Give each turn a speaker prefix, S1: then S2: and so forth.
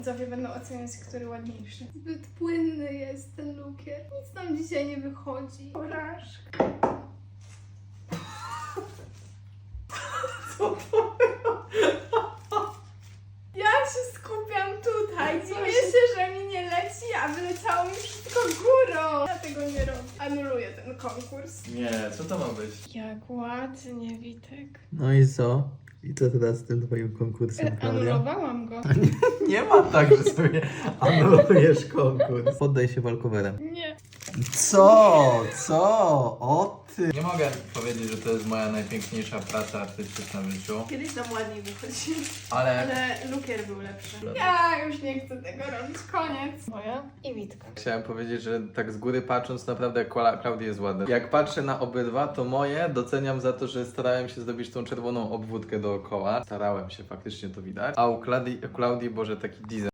S1: Widzowie będą oceniać, który ładniejszy. Zbyt płynny jest ten lukier. Nic nam dzisiaj nie wychodzi. Porażka.
S2: Co to było?
S1: Ja się skupiam tutaj. Dziwię się, że mi nie leci, a wyleciało mi wszystko górą. Ja tego nie robię. Anuluję ten konkurs.
S2: Nie, co to ma być?
S1: Jak ładnie, Witek.
S3: No i co? I co teraz z tym twoim konkursem, Klaudia?
S1: Anulowałam go.
S3: Nie ma tak, że sobie anulujesz konkurs. Poddaj się walkowerem.
S1: Nie.
S3: Co? Co? O ty!
S2: Nie mogę powiedzieć, że to jest moja najpiękniejsza praca artystyczna w życiu,
S1: Kiedyś nam ładniej wychodzi.
S2: ale
S1: Ale lukier był lepszy. Ja już nie chcę tego robić. Koniec. Moja i Witka.
S2: chciałem powiedzieć, że tak z góry patrząc naprawdę Klaudii jest ładna. Jak patrzę na obydwa, to moje doceniam za to, że starałem się zrobić tą czerwoną obwódkę dookoła. Starałem się, faktycznie to widać. A u Klaudii, Boże, taki design.